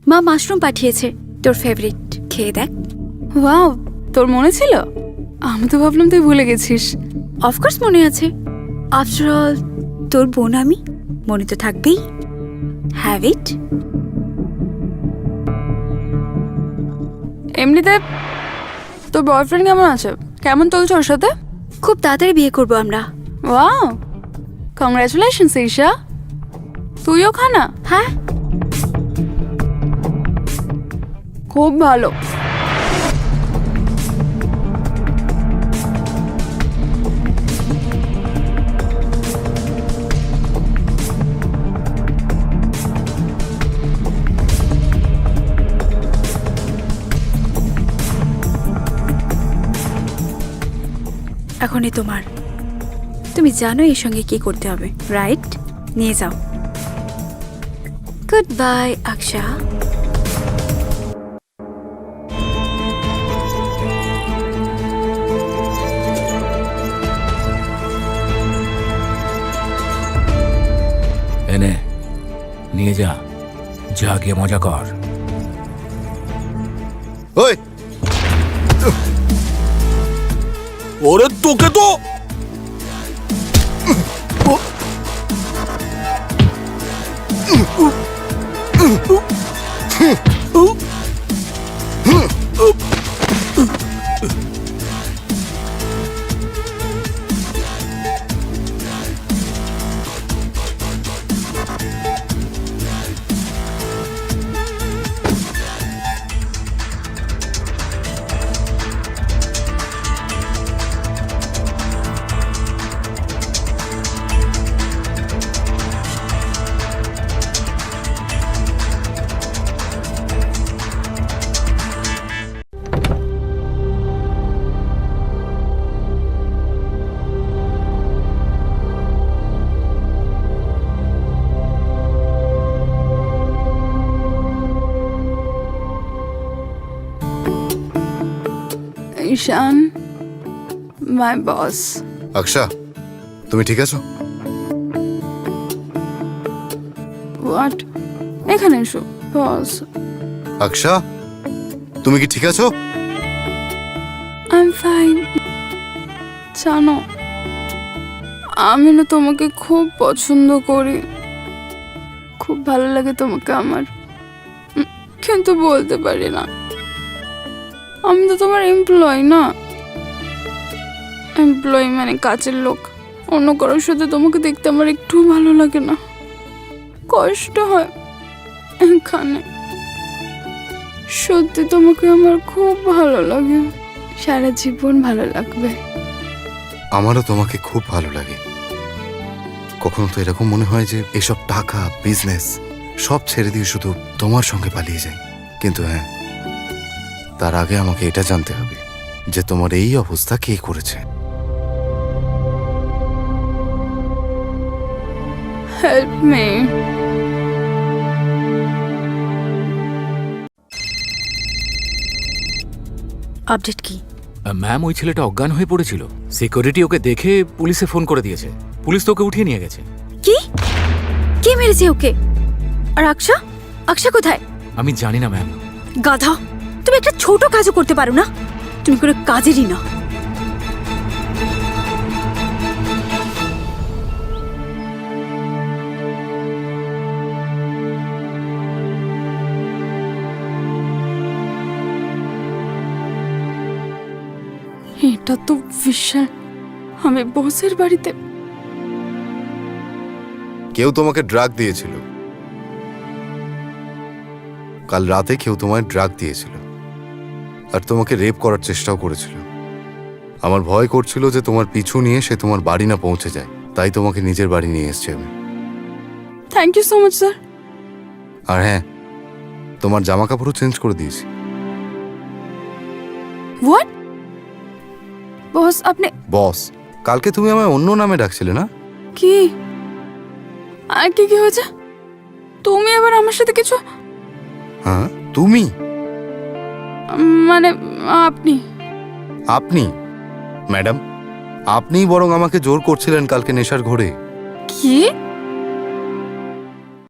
মা মাশরুম পাঠিয়েছে, তোর ফেভারিট, খেয়ে দেখ। ওয়াও, তোর মনে ছিল? আমি তো ভাবলাম তুই ভুলে গেছিস। অফকোর্স মনে আছে, আফটার অল তোর বোন আমি, মনে তো থাকবেই। Have it. এমনিতে তোর বয়ফ্রেন্ড কেমন আছে? কেমন চলছে ওর সাথে? খুব তাড়াতাড়ি বিয়ে করবো আমরা। Wow, congratulations Isha. তুইও খানা? হ্যাঁ, খুব ভালো। এখনই তোমার। তুমি জানো এর সঙ্গে কি করতে হবে, রাইট? নিয়ে যাও। গুড বাই আকশা। এনে নিয়ে যা, যা গিয়ে মজা কর। ওই ওরে তোকে তো ঈশান, মাই বস। আকশা, তুমি ঠিক আছো? হোয়াট? এখানে এসো বস। আকশা, তুমি কি ঠিক আছো? I am fine. জানো, আমি না তোমাকে খুব পছন্দ করি, খুব ভালো লাগে তোমাকে আমার, কিন্তু বলতে পারি না। আমি তো তোমার এমপ্লয় না, এমপ্লয় মানে কাজের লোক। অন্য কারোর সাথে তোমাকে দেখতে আমার একটু ভালো লাগে না, কষ্ট হয় এখানে। সত্যি তোমাকে আমার খুব ভালো লাগে, সারা জীবন ভালো লাগবে। আমারও তোমাকে খুব ভালো লাগে। কখনো তো এরকম মনে হয় যে এসব টাকা, বিজনেস সব ছেড়ে দিয়ে শুধু তোমার সঙ্গে পালিয়ে যাই। কিন্তু হ্যাঁ, তার আগে আমাকে এটা জানতে হবে যে তোমার এই অবস্থা কে করেছে। Help me. আপডেট কি? ম্যাম, ওই ছেলেটা অজ্ঞান হয়ে পড়েছিল। সিকিউরিটি ওকে দেখে পুলিশে ফোন করে দিয়েছে। পুলিশ তো ওকে উঠিয়ে নিয়ে গেছে। কি? কে মেরেছে ওকে? আর আকশা? আকশা কোথায়? আমি জানি না ম্যাম। গাধা, তুমি একটা ছোট কাজও করতে পারো না? তুমি কোনো কাজেরই না। এটা তো বিশাল। আমি বসের বাড়িতে। কেউ তোমাকে ড্রাগ দিয়েছিল। কাল রাতে কেউ তোমায় ড্রাগ দিয়েছিল আর তোমাকে রেপ করার চেষ্টাও করেছিল। আমার ভয় করছিল যে তোমার পিছু নিয়ে সে তোমার বাড়ি না পৌঁছে যায়, তাই তোমাকে নিজের বাড়ি নিয়ে এসেছি আমি। Thank you so much sir. আর হ্যাঁ, তোমার জামা কাপড়ও চেঞ্জ করে দিয়েছি। হোয়াট? বস আপনি বস, কালকে তুমি আমায় অন্য নামে ডাকছিলে না? কি? আর কি কি হয়েছে? তুমি এবার আমার সাথে কিছু? হ্যাঁ, তুমি? মানে আপনি? আপনি ম্যাডাম, আপনিই বরং আমাকে জোর করছিলেন কালকে নেশার ঘোরে। কি?